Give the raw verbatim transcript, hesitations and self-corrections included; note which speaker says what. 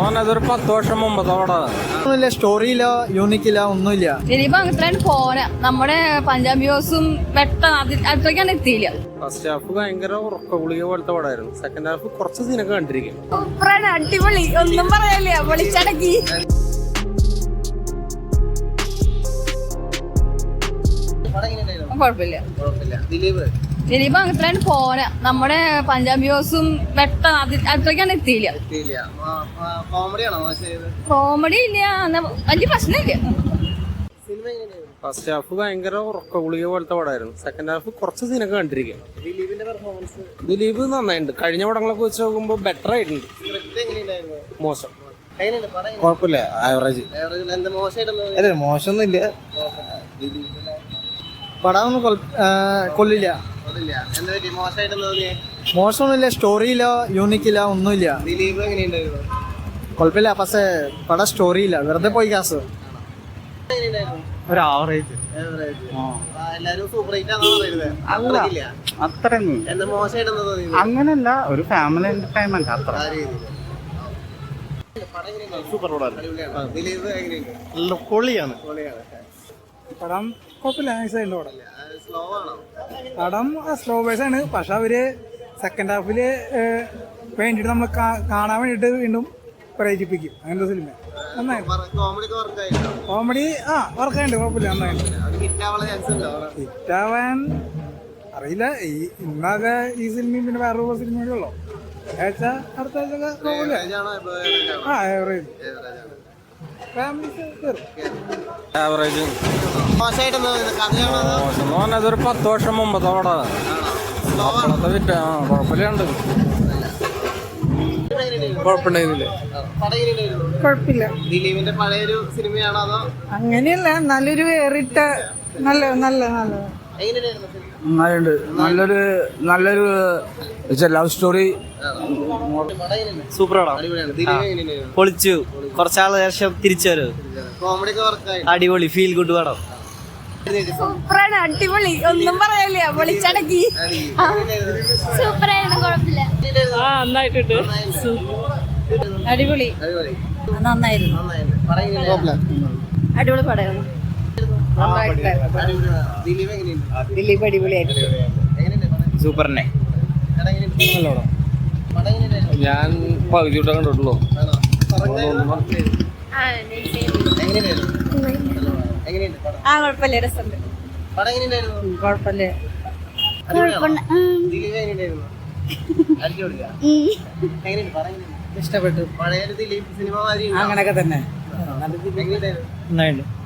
Speaker 1: അതൊരു പത്ത് വർഷം മുമ്പത്തോടെ
Speaker 2: സ്റ്റോറിയില്ല, യൂണിക്കില്ല, ഒന്നുമില്ല.
Speaker 3: ഇനിയിപ്പോ അങ്ങനെ പോന നമ്മുടെ പഞ്ചാബ് ബ്യൂസും പെട്ടെന്ന് അത്രയ്ക്കാണ് എത്തിയില്ല.
Speaker 1: ഫസ്റ്റ് ഹാഫ് ഭയങ്കര ഉറക്ക ഗുളിക പോലത്തെ പടമായിരുന്നു. സെക്കൻഡ് ഹാഫ് കുറച്ച് സീനൊക്കെ കണ്ടിരിക്കും.
Speaker 3: സൂപ്പറാണ്, അടിപൊളി, ഒന്നും പറയാനില്ല, പൊളിച്ചടക്കി. കുഴപ്പമില്ല. ഇനിയിപ്പോ അങ്ങനെ പോന നമ്മുടെ പഞ്ചാബ് ബ്യൂസും പെട്ടെന്ന് അത്രയ്ക്കാണ് എത്തിയില്ല. കോമഡി ഇല്ല, വലിയ പ്രശ്നമില്ല.
Speaker 1: ഫസ്റ്റ് ഹാഫ് ഭയങ്കര ഉറക്ക ഗുളിക പോലത്തെ പടമായിരുന്നു. സെക്കൻഡ് ഹാഫ് കുറച്ച് സീനൊക്കെ കണ്ടിരിക്കും. ദിലീപ് നന്നായിട്ടുണ്ട്. കഴിഞ്ഞ പടങ്ങളൊക്കെ വെച്ച് നോക്കുമ്പോ ബെറ്റർ ആയിട്ടുണ്ട്. മോശം
Speaker 2: കുഴപ്പമില്ല, ആവറേജ്. അതെ, മോശമൊന്നുമില്ല. പടം ഒന്നും കൊള്ളില്ല. മോശമൊന്നുമില്ല, സ്റ്റോറിയില്ല, യൂണിക്കില്ല, ഒന്നുമില്ല. കുഴപ്പമില്ല, പക്ഷേ പടം സ്റ്റോറിയില്ല, വെറുതെ പോയി കാസ്. ഒരു ആവറേജ്. അത്രയൊന്നും അങ്ങനല്ല, ഒരു ഫാമിലി എന്റർടൈൻമെന്റ് അത്ര.
Speaker 4: സൂപ്പർ പൊളിയാണ്
Speaker 5: പടം. കുഴപ്പമില്ല, നൈസായിട്ട് പടം. പടം സ്ലോ ബേസ് ആണ്, പക്ഷെ അവര് സെക്കൻഡ് ഹാഫില് വേണ്ടിട്ട് നമ്മൾ കാണാൻ വേണ്ടിട്ട് വീണ്ടും പ്രേരിപ്പിക്കും. അങ്ങനത്തെ സിനിമ നന്നായി. കോമഡി ആ വർക്കായിട്ട് കുഴപ്പമില്ല, നന്നായിട്ട്. ഹിറ്റാവാൻ അറിയില്ല. ഈ ഇന്നാകെ ഈ സിനിമയും പിന്നെ വേറൊരു സിനിമ കൂടി ഉള്ളു. ആഴ്ച അടുത്ത ആഴ്ച കുഴപ്പമില്ല. ആ ആവറേജ്.
Speaker 1: ആവറേജ് അതൊരു പത്ത് വർഷം മുമ്പത്തെ പടമാണ്. വിറ്റ ആ കുഴപ്പമില്ലാണ്ട്. കുഴപ്പമുണ്ടായിരുന്നില്ല.
Speaker 5: കുഴപ്പമില്ല.
Speaker 4: ദിലീപിന്റെ പഴയൊരു സിനിമയാണോ അതോ?
Speaker 5: അങ്ങനെയല്ല, നല്ലൊരു വേറിട്ട നല്ല നല്ല നല്ല
Speaker 2: നന്നായിട്ടുണ്ട്. നല്ലൊരു നല്ലൊരു ലവ് സ്റ്റോറി.
Speaker 4: സൂപ്പറാണ്,
Speaker 6: പൊളിച്ചു. കുറച്ചാള് ശേഷം തിരിച്ചു വരും. അടിപൊളി, ഫീൽ ഗുഡ് പടം.
Speaker 3: സൂപ്പറാണ്, അടിപൊളി, ഒന്നും പറയാനില്ല, പൊളിച്ചടക്കി. സൂപ്പറായിരുന്നു, കുഴപ്പമില്ല.
Speaker 7: ആ നന്നായിട്ടുണ്ട്.
Speaker 3: അടിപൊളി, നന്നായിരുന്നു. അടിപൊളി പടമായിരുന്നു. ദിലീപ് അടിപൊളിയായിരുന്നു.
Speaker 6: സൂപ്പറിനെ
Speaker 1: ഞാൻ പകുതി വിട്ടേ കണ്ടിട്ടുള്ളൂ.
Speaker 3: ആ കുഴപ്പമില്ല, രസമുണ്ട്. കുഴപ്പമില്ല.
Speaker 5: ഇഷ്ടപ്പെട്ടു.
Speaker 4: പഴയൊരു ദിലീപ് സിനിമ
Speaker 5: അങ്ങനെയൊക്കെ തന്നെ.
Speaker 4: എങ്ങനെയുണ്ടായിരുന്നു?